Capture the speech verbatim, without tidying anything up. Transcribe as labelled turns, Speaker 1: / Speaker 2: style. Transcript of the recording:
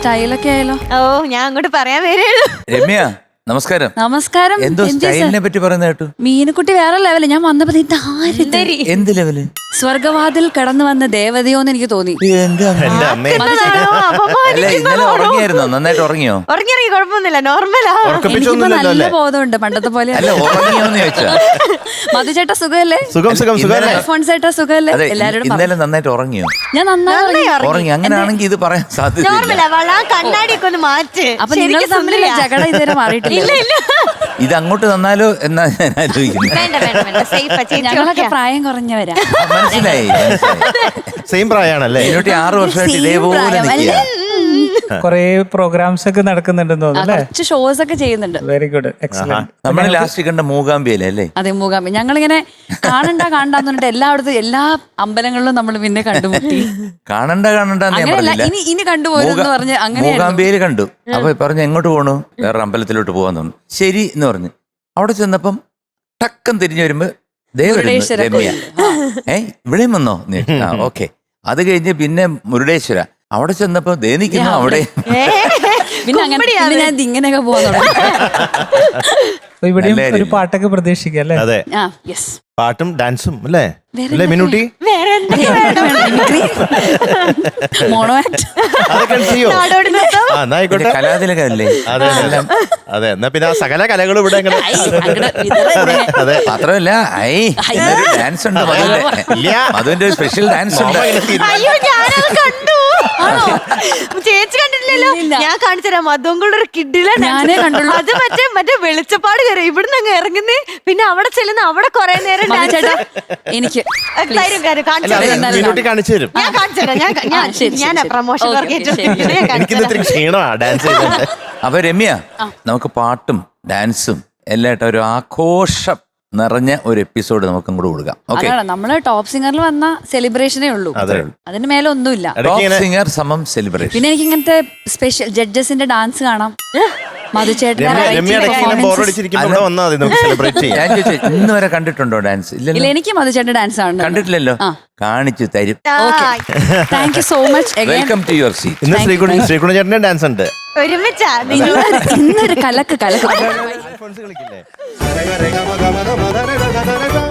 Speaker 1: സ്റ്റൈലൊക്കെ ആയാലോ?
Speaker 2: ഓ ഞാൻ അങ്ങോട്ട് പറയാൻ വരുള്ളൂ.
Speaker 3: രമ്യ നമസ്കാരം.
Speaker 1: നമസ്കാരം.
Speaker 3: എന്തോ സ്റ്റൈലിനെ പറ്റി പറയുന്ന കേട്ടു.
Speaker 1: മീനുക്കുട്ടി വേറെ ലെവല്. ഞാൻ വന്നപ്പോ ഇതാര്?
Speaker 3: എന്ത് ലെവല്?
Speaker 1: സ്വർഗവാതിൽ കടന്നു വന്ന ദേവതയോന്ന് എനിക്ക് തോന്നി.
Speaker 3: അല്ല ഇന്നലെ ഉറങ്ങിയായിരുന്നോ? നന്നായിട്ട് ഉറങ്ങിയോ?
Speaker 2: ഉറങ്ങിയിറങ്ങി കുഴപ്പമൊന്നുമില്ല, നോർമലാ.
Speaker 1: എനിക്കിപ്പോ നല്ല ബോധമുണ്ട്, പണ്ടത്തെ പോലെ.
Speaker 3: അല്ല ഉറങ്ങിയോന്ന് ചോദിച്ചാ.
Speaker 1: മധുചേട്ടാ സുഖല്ലേ?
Speaker 3: സുഖം സുഖം സുഖം.
Speaker 1: അൽഫോൺസേട്ടാ സുഖല്ലേ? എല്ലാവരോടും
Speaker 3: ഇന്നലെ നന്നായിട്ട് ഉറങ്ങിയോ?
Speaker 1: ഞാൻ നന്നായി
Speaker 3: ഉറങ്ങി. അങ്ങനെയാണെങ്കിൽ ഇത് പറയാൻ സാധ്യത.
Speaker 2: കണ്ണാടിയൊക്കെ ഒന്ന് മാറ്റ്.
Speaker 1: അപ്പൊ നിങ്ങൾ തമ്മിൽ ജഗട ഇതുവരെ മാറിയിട്ടില്ല.
Speaker 3: ഇത് അങ്ങോട്ട് തന്നാലോ എന്നാ ഞാൻ ആലോചിക്കുന്നത്.
Speaker 1: ഞങ്ങളൊക്കെ പ്രായം കുറഞ്ഞവരാ.
Speaker 3: മനസ്സിലായി.
Speaker 4: സെയിം പ്രായമാണല്ലേ?
Speaker 3: ഇതിനോട്ട് ആറ് വർഷമായിട്ട് ഇതേപോലെ നിൽക്കുക.
Speaker 5: കൊറേ പ്രോഗ്രാംസ് ഒക്കെ നടക്കുന്നുണ്ടെന്ന് തോന്നുന്നു.
Speaker 1: കുറച്ച് ഷോസ് ഒക്കെ ചെയ്യുന്നുണ്ട്.
Speaker 5: Very good, excellent.
Speaker 3: നമ്മൾ ലാസ്റ്റ് കണ്ട മൂകാംബിയല്ലേ അല്ലേ?
Speaker 1: അതെ, മൂകാംബി. ഞങ്ങളിങ്ങനെ കാണണ്ട കാണണ്ടെന്ന് പറഞ്ഞിട്ട് എല്ലായിടത്തും എല്ലാ അമ്പലങ്ങളിലും നമ്മൾ പിന്നെ കണ്ടുമുട്ടി.
Speaker 3: കാണണ്ട കാണണ്ട
Speaker 1: ഇനി ഇനി കണ്ടുപോയെന്ന് പറഞ്ഞ് അങ്ങനെ
Speaker 3: മൂകാംബിയയിൽ കണ്ടു. അപ്പൊ പറഞ്ഞു എങ്ങോട്ട് പോണു? വേറെ അമ്പലത്തിലോട്ട് പോകാൻ തോന്നുന്നു. ശരി എന്ന് പറഞ്ഞു. അവിടെ ചെന്നപ്പം ടക്കം തിരിഞ്ഞു വരുമ്പോ ദേവരമ്യ. ഏ ഇവിടെയും വന്നോ? ഓക്കെ. അത് കഴിഞ്ഞ് പിന്നെ മുരുടേശ്വര. അവിടെ ചെന്നപ്പോ ദേ നിൽക്കുന്നു അവിടെ.
Speaker 1: പിന്നെ അങ്ങനെ ഞാൻ ഇങ്ങനെയൊക്കെ പോകുന്നു.
Speaker 5: ഇവിടെയും ഒരു പാട്ടൊക്കെ പ്രതീക്ഷിക്കാം അല്ലേ?
Speaker 4: അതെ, പാട്ടും ഡാൻസും അല്ലേ അല്ലേ മിനുട്ടി?
Speaker 1: മോണോ ആക്ട്
Speaker 4: ആയിക്കോട്ടെ,
Speaker 3: കലാതിലകല്ലേ?
Speaker 4: അതെ അതെ. എന്നാ പിന്നെ ആ സകല കലകളും ഇവിടെ അതെ.
Speaker 3: മാത്രമല്ല ഐ ഡാൻസ് ഉണ്ട് മധുവിന്റെ. മധുവിന്റെ സ്പെഷ്യൽ ഡാൻസ് ഉണ്ട്.
Speaker 2: ചേച്ചി കണ്ടിട്ടില്ലല്ലോ? ഞാൻ കാണിച്ചുതരാം. മധുങ്കളുടെ ഒരു കിഡിലെ
Speaker 1: ഞാനേ കണ്ടുള്ളൂ.
Speaker 2: അത് മറ്റേ മറ്റേ വെളിച്ചപ്പാട് കയറി ഇവിടുന്ന് അങ്ങ് ഇറങ്ങുന്നേ. പിന്നെ അവിടെ ചെല്ലുന്ന അവിടെ കൊറേ നേരം
Speaker 1: എനിക്ക്
Speaker 4: മിനുട്ടി കാണിച്ചു തരും.
Speaker 2: ഞാൻ കാണിച്ചുതരാം. ഞാൻ പ്രമോഷൻ
Speaker 4: ക്ഷീണമാ ഡാൻസ് ചെയ്തത്.
Speaker 3: അപ്പൊ രമ്യ, നമുക്ക് പാട്ടും ഡാൻസും എല്ലാം ഒരു ആഘോഷം നിറഞ്ഞ ഒരു എപ്പിസോഡ് നമുക്ക് അങ്ങോട്ട് കൊടുക്കാം.
Speaker 1: അതാണ് നമ്മള് ടോപ്പ് സിംഗറിൽ വന്ന സെലിബ്രേഷനേ ഉള്ളൂ. അതിന് മേലെ ഒന്നുമില്ല.
Speaker 3: ടോപ്പ് സിംഗർ സമം സെലിബ്രേഷൻ.
Speaker 1: പിന്നെ എനിക്ക് ഇങ്ങനത്തെ സ്പെഷ്യൽ ജഡ്ജസിന്റെ ഡാൻസ് കാണാം. മധുചേട്ടൻ
Speaker 3: ഇന്ന് വരെ കണ്ടിട്ടുണ്ടോ ഡാൻസ്?
Speaker 1: ഇല്ല, എനിക്ക് മധുചേട്ടൻ ഡാൻസ് ആണ്
Speaker 3: കണ്ടിട്ടില്ലല്ലോ. കാണിച്ചു തരും.
Speaker 1: Thank you so much.
Speaker 3: Welcome to your seat.
Speaker 4: ഇന്ന് ശ്രീകുണ ശ്രീകുണ ചേട്ടന്റെ ഡാൻസ് ഉണ്ട്.
Speaker 2: ഒരുമിച്ചാ
Speaker 1: ഇന്നൊരു കലക്ക് കലക്ക്.
Speaker 4: കളിക്കില്ലേ?